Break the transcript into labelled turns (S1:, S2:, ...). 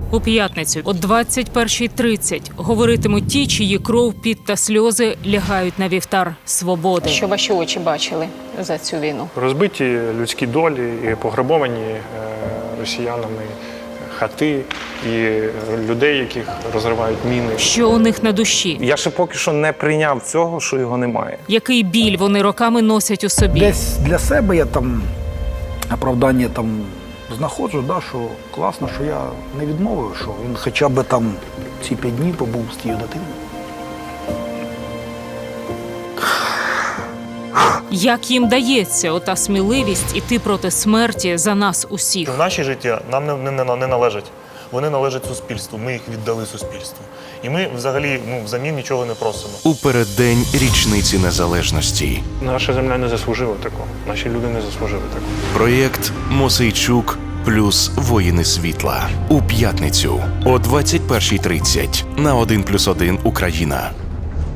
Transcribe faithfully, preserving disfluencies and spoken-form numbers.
S1: У п'ятницю о двадцять першій тридцять говоритимуть ті, чиї кров, піт та сльози лягають на вівтар свободи. Що ваші очі бачили за цю війну?
S2: Розбиті людські долі і пограбовані е, росіянами хати і людей, яких розривають міни.
S1: Що у них на душі?
S3: Я ще поки що не прийняв цього, що його немає.
S1: Який біль вони роками носять у собі?
S4: Десь для себе я там оправдання там знаходжу, да, що класно, що я не відмовив, що він хоча б там ці п'ять днів побув з тією дитиною.
S1: Як їм дається ота сміливість іти проти смерті за нас усіх?
S5: Наші життя нам не, не, не належать. Вони належать суспільству. Ми їх віддали суспільству. І ми взагалі ну, взамін нічого не просимо.
S6: У переддень річниці незалежності.
S2: Наша земля не заслужила такого. Наші люди не заслужили такого.
S6: Проєкт «Мосейчук плюс воїни світла» у п'ятницю о двадцять першій тридцять на один плюс один Україна.